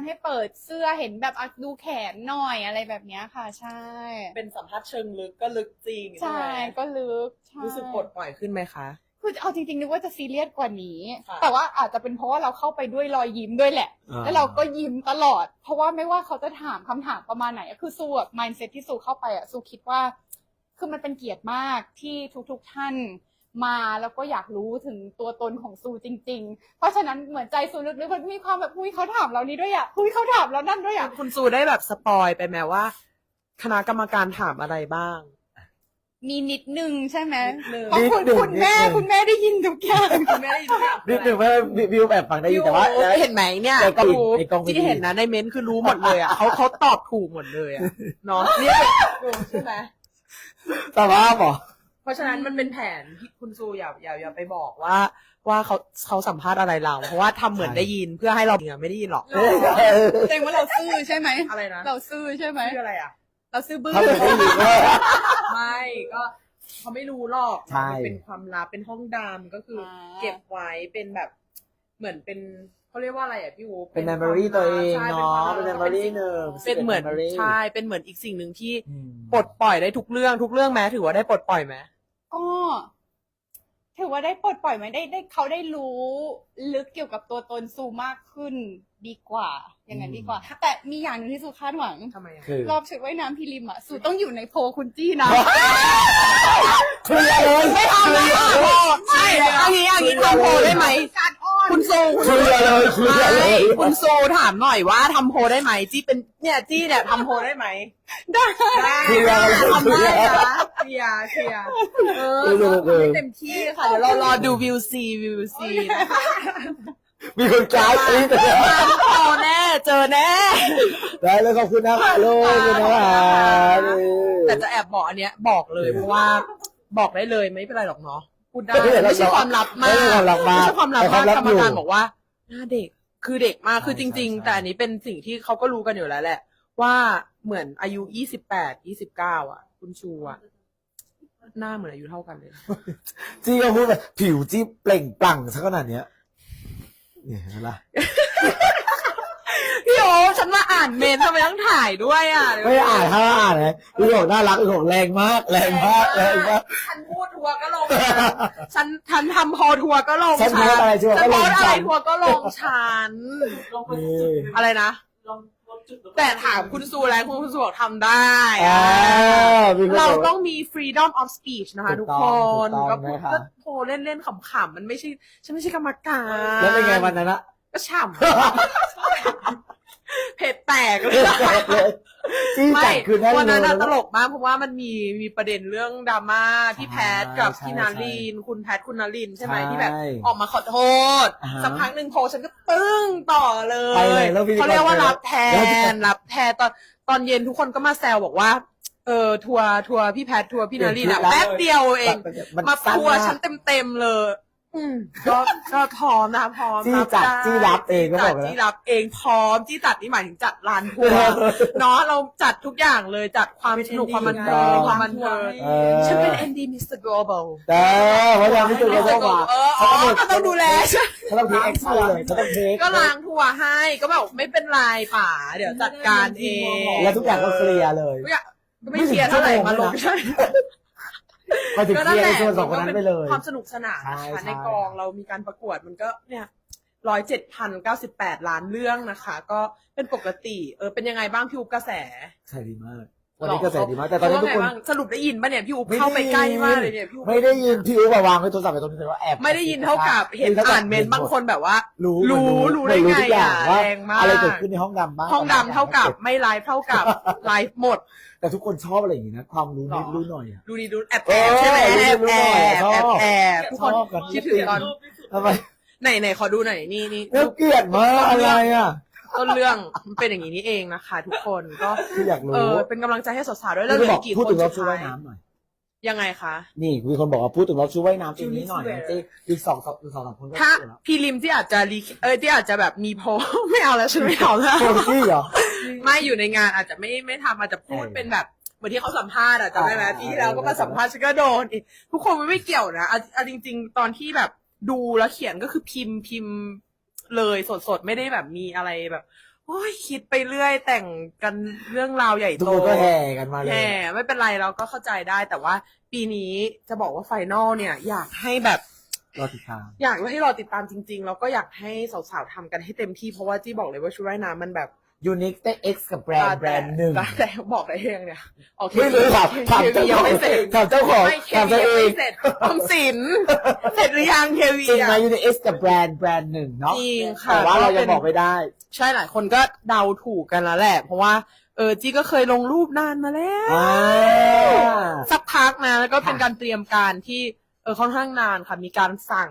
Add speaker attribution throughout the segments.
Speaker 1: ให้เปิดเสื้อเห็นแบบดูแขนหน่อยอะไรแบบนี้ค่ะใช่
Speaker 2: เป็นสัมภาษณ์เชิงลึกก็ลึกจริง
Speaker 1: ใช่ก็ลึก
Speaker 2: รู้สึกปลดปล่อยขึ้นไหมคะ
Speaker 1: คือเอาจริงๆนึกว่าจะซีเรียสกว่านี้แต่ว่าอาจจะเป็นเพราะว่าเราเข้าไปด้วยรอยยิ้มด้วยแหละแล้วเราก็ยิ้มตลอดเพราะว่าไม่ว่าเขาจะถามคำถามประมาณไหนคือสู้แบบ mindset ที่สู้เข้าไปสู้คิดว่าคือมันเป็นเกียรติมากที่ทุกท่านมาแล้วก็อยากรู้ถึงตัวตนของซูจริงๆเพราะฉะนั้นเหมือนใจซูลึกๆมันมีความแบบเขาถามเรานี้ด้วยเขาถามเรานั่นด้วย
Speaker 2: คุณซูได้แบบสปอยไปไหมว่าคณะกรรมการถามอะไรบ้าง
Speaker 1: มีนิดนึงใช่ไหมเพราะคุณแม่ได้ยินทุกอย่างคุณแม่ได้ยินทุกอย่าง
Speaker 3: นิดนึงว่าวิวแบบฟังได้ยินแต่ว่า
Speaker 2: เห็นไหมเนี่ยที่เห็นนะในเม้นคือรู้หมดเลยอ่ะเขาตอบถูกหมดเลยอ่ะเนาะเนี่ยใช่ไหม
Speaker 3: แต่ว่าหรอ
Speaker 2: เพราะฉะนั้นมันเป็นแผนที่คุณซูอย่าไปบอกว่าเขาสัมภาษณ์อะไรเราเพราะว่าทำเหมือนได้ยินเพื่อให้เราไม่ได้ยินหรอก
Speaker 1: แสดงว่าเราซื่อใช่ไหม
Speaker 2: อะไรนะ
Speaker 1: เราซื่อใช่ไหม
Speaker 2: คืออะไรอ่ะ
Speaker 1: เราซื่อบื้อ
Speaker 2: ไม่ก็เขาไม่รู้หรอกเป็นความลับเป็นห้องดำก็คือเก็บไว้เป็นแบบเหมือนเป็นเขาเรียกว่าอะไรอ่ะพี่วู
Speaker 3: เป็น memory ตัวเองเนาะเป็น memory หนึ่ง
Speaker 2: เป็นเหมือนใช่เป็นเหมือนอีกสิ่งหนึ่งที่ปลดปล่อยได้ทุกเรื่องแม้ถือว่าได้ปลดปล่อยไหม
Speaker 1: ก็ถือว่าได้ปลดปล่อยไหมได้เขาได้รู้ลึกเกี่ยวกับตัวตนซูมากขึ้นดีกว่าอย่างนั้นดีกว่าแต่มีอย่างหนึ่งที่ซูคาดหวัง
Speaker 2: ทำไม
Speaker 1: รอบชุดว่ายน้ำพิริมอ่ะซูต้องอยู่ในโพคุณจี้นะ
Speaker 3: คือเลย
Speaker 2: ไม่ทำเลยใช่อันนี้ทำโพได้ไหมคุณโซ
Speaker 3: คือเลย
Speaker 2: คุณโซถามหน่อยว่าทำโพได้ไหมจี้เป็นเนี่ยจี้เนี่ยทำโพได้ไหม
Speaker 1: ได้
Speaker 2: ทำได้นะเคลียร์ไม่เต็มที่ค่ะเดี๋ยวเรารอดูวิวซี
Speaker 3: มีคนจ้าตีแต่
Speaker 2: พอแน่เจอแน่
Speaker 3: ได้เลยขอบคุณนะคะลูกนะคะ
Speaker 2: แต่จะแอบบอกอันเนี้ยบอกเลยเพราะว่าบอกได้เลยไม่เป็นไรหรอกเนาะพูดได้ไม่ใช่ความลับมากไม่ใช่ความลับมากกรรมการบอกว่าหน้าเด็กคือเด็กมากคือจริงๆแต่อันนี้เป็นสิ่งที่เขาก็รู้กันอยู่แล้วแหละว่าเหมือนอายุ28-29อ่ะคุณชูอ่ะหน้าเหมือนอายุเท่ากันเลย
Speaker 3: จี้ก็พูดแบบผิวจี้เปล่งปลั่งซะขนาดเนี้ยเนี่ยอะไร
Speaker 2: พี่โอฉันมาอ่านเมนทำไมต้องถ่ายด้วยอ่ะ
Speaker 3: ไม่อ่านถ้าอ่านเลยพี่โอน่ารักพี่โอแรงมาก
Speaker 2: ฉันพูดทัวร์ก็ลงฉันทำพอทัวร์ก็ลง
Speaker 3: ฉันโพสอะไรทัวร์ก็ลงฉัน
Speaker 2: ทัวร์ก็ลงฉันอะไรนะแต่ถามคุณซูแล้วคุณซูบอกทำได้เราต้องมี freedom of speech นะคะทุกคนก็โทรเล่นๆขำๆมันไม่ใช่ฉันไม่ใช่กรรมการ
Speaker 3: แล้วเป็นไงวันนั้นอะ
Speaker 2: ก็ฉ่ำเผ็ดแตกเลย
Speaker 3: ไม่
Speaker 2: วันนั้นตลกมากเพราะว่ามันมีประเด็นเรื่องดราม่าพี่แพทกับพี่นารินคุณแพทคุณนารินใช่ไหมที่แบบออกมาขอโทษสักพักหนึ่งโพฉันก็ตึ้งต่อเลยเขาเรียกว่ารับแทนตอนเย็นทุกคนก็มาแซวบอกว่าทัวร์พี่แพททัวร์พี่นารินอะแป๊บเดียวเองมาทัวร์ฉันเต็มเลยก็พร้อมนะพร้อม
Speaker 3: จี้รับเองก็บอกแล้ว
Speaker 2: จี้รับเองพร้อมจี้จัดนี่หมายถึงจัดลานทัวร์เนาะเราจัดทุกอย่างเลยจัดความสนุกความบันเทิงฉันเป็น ND Mr. Global
Speaker 3: แต่ว่ายังไม่ถึงจะต้องมา
Speaker 2: ก็ต้องดูแล
Speaker 3: เขาต้องเทคเอ็กซ์เลยเขาต้องเทค
Speaker 2: ก็ล้างทัวร์ให้ก็แบบไม่เป็นไรป่าเดี๋ยวจัดการเอง
Speaker 3: แล้วทุกอย่างก็เคลียร์เลย
Speaker 2: ไม่เคลียร์เท่าไหร่มาลงใช่
Speaker 3: มาถึงเคลียร์ในส่วนสองคนนั้นไปเลย
Speaker 2: ความสนุกสนานนะคะในกองเรามีการประกวดมันก็เนี่ย107,098 ล้านเรื่องนะคะก็เป็นปกติเป็นยังไงบ้างพี่อุ๊บกระแส
Speaker 3: ใช่ดีมากวันนี้กระแสดีมากแต่ตอนนี้ทุกคน
Speaker 2: สรุปได้ยินป่ะเนี่ยพี่อุ๊บเข้าไปใกล้มากเลยเนี่ยพี่อุ๊บ
Speaker 3: ไม่ได้ยินพี่อุ๊บวางไว้โทรศัพท์ไปตรงนี้เลยว่าแอบ
Speaker 2: ไม่ได้ยินเท่ากับเห็นอ่านเมนบางคนแบบว่ารู้ได้ไงอ่ะแรงมาก
Speaker 3: อะไรเกิดขึ้นในห้องดำบ้าง
Speaker 2: ห้องดำเท่ากับไม่ไลฟ์เท่ากับไลฟ์หมด
Speaker 3: แต่ทุกคนชอบอะไรอย่างนี้นะความรู้นิดรู้หน่อยอ่ะ
Speaker 2: ดูแอบใช่ไหมแอบทุกคนคิดถึงตอน
Speaker 3: ทำไม
Speaker 2: ไหนขอดูหน่อยนี่
Speaker 3: เกลียดมากอะไรอ่ะ
Speaker 2: ต้นเรื่องมันเป็นอย่างนี้นี่เองนะคะทุกคนก็
Speaker 3: อยากรู้
Speaker 2: เป็นกำลังใจให้สาวๆด้วยแล้วเหลือกี่คน
Speaker 3: พูดถึงรอบชุดว่ายน้ำหน่อย
Speaker 2: ยังไงคะ
Speaker 3: นี่มีคนบอกว่าพูดถึงรอบชุดว่ายน้ำทีนี้หน่อยจีอีกสองสามคน
Speaker 2: ถ้าพีริมที่อาจจะที่อาจจะแบบมีโพไม่เอาแล้วฉันไม่เอาแล้ว
Speaker 3: โพที่เหรอ
Speaker 2: ไม่อยู่ในงานอาจจะไม่ทำอาจจะพูดเป็นแบบเหมือนที่เขาสัมภาษณ์อะจำได้ไหมปีที่แล้วก็มาสัมภาษณ์ฉันก็โดนทุกคนมันไม่เกี่ยวนะจริงๆตอนที่แบบดูแล้วเขียนก็คือพิมพ์เลยสดๆไม่ได้แบบมีอะไรแบบโอ้ยคิดไปเรื่อยแต่งกันเรื่องราวใหญ่
Speaker 3: ทุก
Speaker 2: โต
Speaker 3: คนก็แห่กันมาเลย
Speaker 2: แห่ไม่เป็นไรเราก็เข้าใจได้แต่ว่าปีนี้จะบอกว่าไฟนอลเนี่ยอยากให้แบบ
Speaker 3: รอติดตาม
Speaker 2: อยากให้รอติดตามจริงๆแล้วก็อยากให้สาวๆทำกันให้เต็มที่เพราะว่าจี้บอกเลยว่าชุดว่ายน้ำมันแบบ
Speaker 3: ยูนิคแต่ X กับแบรนด์หนึ่ง
Speaker 2: แต่บอกได้ยังเนี่ยโอเค
Speaker 3: ไม่รู้ถาม
Speaker 2: เควียังไม่เสร็จ
Speaker 3: ถามเจ้าของ
Speaker 2: ไม่เค
Speaker 3: ถาม
Speaker 2: วี
Speaker 3: ตัว
Speaker 2: ยัง
Speaker 3: เอ
Speaker 2: ไม่
Speaker 3: ง
Speaker 2: เสร็จทำสินเสร็จหรือยังเควี
Speaker 3: จริงไหม
Speaker 2: อะ
Speaker 3: ยูนิค X กับแบรนด์หนึ่งเนาะ
Speaker 2: จริงค่ะ
Speaker 3: แต่ว่าเรายังบอกไม่ได้
Speaker 2: ใช่หลายคนก็เดาถูกกันแล้วแหละ เพราะว่าจี้ก็เคยลงรูปนานมาแล้ว
Speaker 3: อ่า
Speaker 2: สักพักนะแล้วก็เป็น
Speaker 3: ค่ะ
Speaker 2: การเตรียมการที่ค่อนข้างนานค่ะมีการสั่ง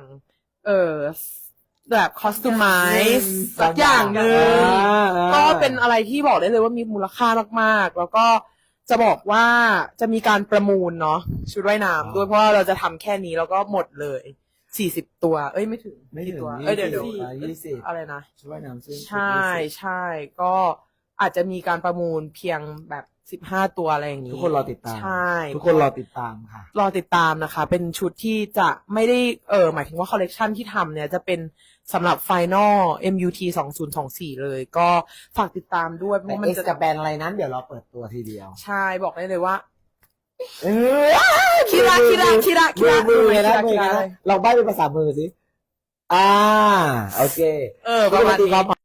Speaker 2: แบบคอสตูมไมซ์สักอย่างหนึ่งก็เป็นอะไรที่บอกได้เลยว่ามีมูลค่ามากๆ แล้วก็จะบอกว่าจะมีการประมูลเนาะชุดว่ายน้ำด้วยเพราะว่าเราจะทำแค่นี้แล้วก็หมดเลย40 ตัวไม่ถึง
Speaker 3: ไม่ถึง
Speaker 2: กี่ตัว
Speaker 3: 20
Speaker 2: เดี๋ยว
Speaker 3: 20
Speaker 2: อะไรนะ
Speaker 3: ช่วยน้ำซึ่ง
Speaker 2: ใช่ใช่ก็อาจจะมีการประมูลเพียงแบบ15 ตัวอะไรอย่างนี้
Speaker 3: ทุกคนรอติดตาม
Speaker 2: ใช่
Speaker 3: ทุกคนรอติดตามค่ะ
Speaker 2: รอติดตามนะคะ เป็นชุดที่จะไม่ได้หมายถึงว่าคอลเลกชันที่ทำเนี่ยจะเป็นสำหรับ Final MUT 2024 เลย ก็ฝากติดตามด้วยเพ
Speaker 3: แต่
Speaker 2: ราะมัน
Speaker 3: X
Speaker 2: จะ
Speaker 3: กับแบรนด์อะไรนั้นเดี๋ยวเราเปิดตัวทีเดียว
Speaker 2: ใช่บอกได้เลยว่า
Speaker 3: เออ
Speaker 2: คิระ
Speaker 3: มือเลยนะ
Speaker 2: คิระ
Speaker 3: เราใบ้เป็นภาษามือสิโอเค
Speaker 2: ประมาณนี้
Speaker 3: ครับ